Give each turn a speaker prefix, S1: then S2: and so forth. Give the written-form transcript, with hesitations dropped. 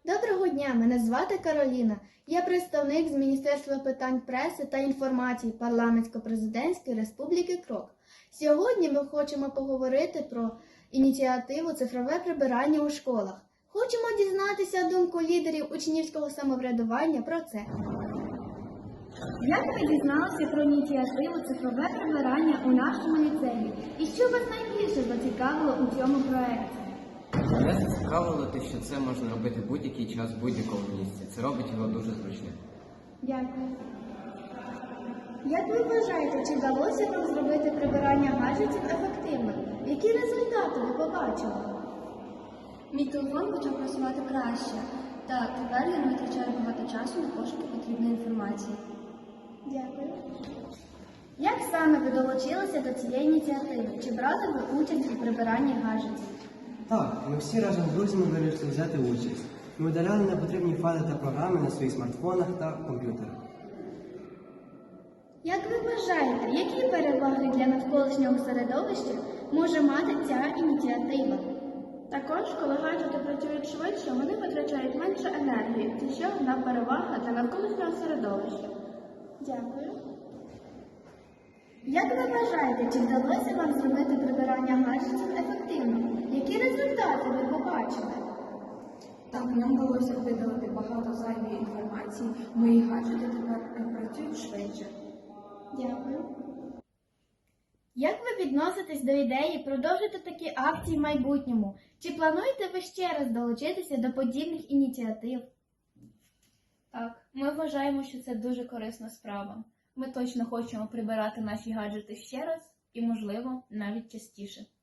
S1: Доброго дня, мене звати Кароліна. Я представник з Міністерства питань преси та інформації Парламентсько-президентської республіки Крок. Сьогодні ми хочемо поговорити про ініціативу «Цифрове прибирання у школах». Хочемо дізнатися думку лідерів учнівського самоврядування про це. Як ви дізналися про ініціативу «Цифрове прибирання» у нашому ліцеї? І що вас найбільше зацікавило у цьому проєкті?
S2: Мене зацікавило те, що це можна робити в будь-який час, в будь-якому місці. Це робить його дуже зручним.
S1: Дякую. Як ви вважаєте, чи вдалося вам зробити прибирання гаджетів ефективно? Які результати ви побачили?
S3: Мій телефон почав працювати краще, та тепер я не витрачаю багато часу на пошуки потрібної інформації.
S1: Дякую. Як саме ви долучилися до цієї ініціативи? Чи брали ви участь у прибиранні гаджетів?
S4: Так, ми всі разом з друзями вирішили взяти участь. Ми удаляли непотрібні файли та програми на своїх смартфонах та комп'ютерах.
S1: Як ви вважаєте, які переваги для навколишнього середовища може мати ця ініціатива?
S3: Також, коли гаджети працюють швидше, вони витрачають менше енергії. Це ще одна перевага для навколишнього середовища.
S1: Дякую. Як ви вважаєте, чи вдалося вам зробити прибирання гаджетів ефективно? Які результати ви побачили?
S3: Так, нам вдалося видалити багато зайвої інформації. Мої гаджети тепер працюють швидше.
S1: Дякую. Як ви відноситесь до ідеї продовжити такі акції в майбутньому? Чи плануєте ви ще раз долучитися до подібних ініціатив?
S5: Так, ми вважаємо, що це дуже корисна справа. Ми точно хочемо прибирати наші гаджети ще раз і, можливо, навіть частіше.